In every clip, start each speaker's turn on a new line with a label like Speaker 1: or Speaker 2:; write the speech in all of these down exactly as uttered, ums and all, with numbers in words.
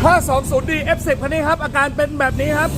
Speaker 1: ห้าสองศูนย์ ดี เอฟ สิบ คันนี้ครับอาการเป็นแบบนี้ครับ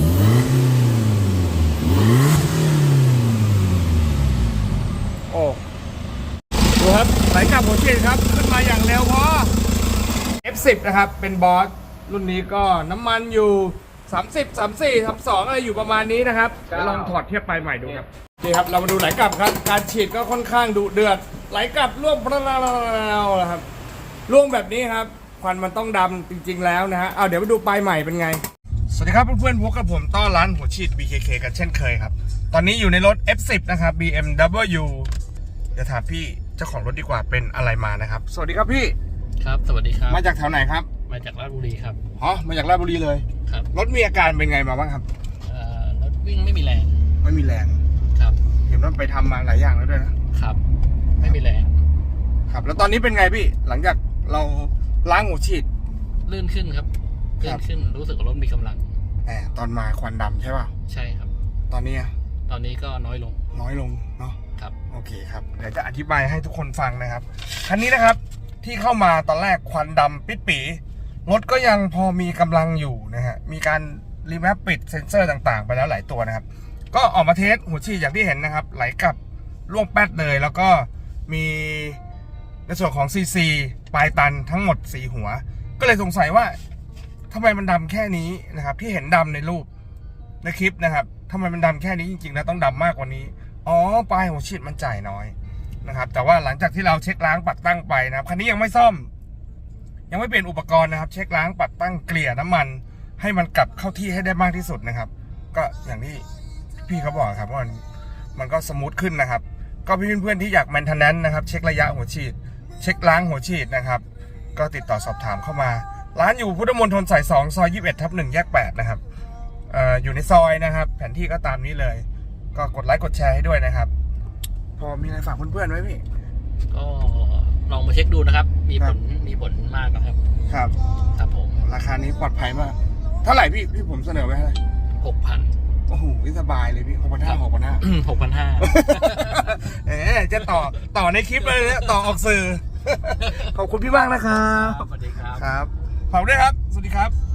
Speaker 1: โอ้ดูครับไหลกลับหัวฉีดครับขึ้นมาอย่างเร็วพอ เอฟ สิบ นะครับเป็นบอสรุ่นนี้ก็น้ำมันอยู่สามสิบ สามสิบสี่ สามสิบสองอะไรอยู่ประมาณนี้นะครับเดี๋ยวลองถอดเทียบไปใหม่ดูครับนี่ครับเรามาดูไหลกลับครับการฉีดก็ค่อนข้างดุเดือดไหลกลับร่วงปราๆนะครับร่วงแบบนี้ครับควันมันต้องดำจริงๆแล้วนะฮะเอาเดี๋ยวไปดูปลายใหม่เป็นไงสวัสดีครับเพื่อนๆพบกับผมต้อนร้านหัวฉีด บี เค เค กันเช่นเคยครับตอนนี้อยู่ในรถ เอฟ สิบ นะครับ บี เอ็ม ดับเบิลยู เดี๋ยวถามพี่เจ้าของรถดีกว่าเป็นอะไรมานะครับสวัสดีครับพี่
Speaker 2: ครับสวัสดีครับ
Speaker 1: มาจากแถวไหนครับ
Speaker 2: มาจากราชบุรีครับ
Speaker 1: อ๋อมาจากราชบุรีเลย
Speaker 2: ครับ
Speaker 1: รถมีอาการเป็นไงมาบ้างครับ
Speaker 2: เอ่อรถวิ่งไม่มีแรง
Speaker 1: ไม่มีแรง
Speaker 2: ครับ
Speaker 1: เห็นว่าไปทำมาหลายอย่างแล้วด้วยนะครับ
Speaker 2: ไม่มีแรง
Speaker 1: ครับแล้วตอนนี้เป็นไงพี่หลังจากเราล้างหัวฉีด
Speaker 2: ลื่นขึ้นครับลื่นขึ้นรู้สึกว่ารถมีกำลัง
Speaker 1: แหมตอนมาควันดำใช่ป่ะ
Speaker 2: ใช่ครับ
Speaker 1: ตอนนี้
Speaker 2: ตอนนี้ก็น้อยลง
Speaker 1: น้อยลงเนาะ
Speaker 2: ครับ
Speaker 1: โอเคครับเดี๋ยวจะอธิบายให้ทุกคนฟังนะครับคันนี้นะครับที่เข้ามาตอนแรกควันดำปิดปีรถก็ยังพอมีกำลังอยู่นะฮะมีการรีแมปปิดเซ็นเซอร์ต่างๆไปแล้วหลายตัวนะครับก็ออกมาเทสหัวฉีดอย่างที่เห็นนะครับไหลกลับร่วงแป๊ดเลยแล้วก็มีในส่วนของ ซี ซี ปลายตันทั้งหมดสี่หัวก็เลยสงสัยว่าทำไมมันดำแค่นี้นะครับที่เห็นดำในรูปในคลิปนะครับทำไมมันดำแค่นี้จริงๆแล้วต้องดำมากกว่านี้อ๋อปลายหัวฉีดมันจ่ายน้อยนะครับแต่ว่าหลังจากที่เราเช็คล้างปัดตั้งไปนะครับคันนี้ยังไม่ซ่อมยังไม่เปลี่ยนอุปกรณ์นะครับเช็คล้างปัดตั้งเกลี่ยน้ำมันให้มันกลับเข้าที่ให้ได้มากที่สุดนะครับก็อย่างที่พี่เขาบอกครับว่ามันมันก็สมูทขึ้นนะครับก็เพื่อนๆที่อยากแมนเทนแนนซ์นะครับเช็คระยะหัวฉีดเช็คล้างหัวฉีดนะครับก็ติดต่อสอบถามเข้ามาร้านอยู่พุทธมณฑลสายสองซอยยี่สิบเอ็ดทับหนึ่งแยกแปดนะครับเอ่ออยู่ในซอยนะครับแผนที่ก็ตามนี้เลยก็กดไลค์กดแชร์ให้ด้วยนะครับพอมีอะไรฝากเพื่อนๆไหมพี่
Speaker 2: ก็ลองมาเช็คดูนะครับมีผลมีผลมากนะครับ
Speaker 1: ครับ
Speaker 2: ครับผม
Speaker 1: ราคานี้ปลอดภัยมากเท่าไหร่พี่พี่ผมเสนอไว้ให้
Speaker 2: หกพัน
Speaker 1: โอ้โหสบายเลยพี่หกพันห้าหกพันห้า
Speaker 2: หกพันห้า
Speaker 1: เอ๊ะจะต่อต่อในคลิปเลยนะต่อออกสื่อขอบคุณพี่มากนะครับ
Speaker 2: สวัสดีครับ
Speaker 1: ครับขอบคุณด้วยครับสวัสดีครับ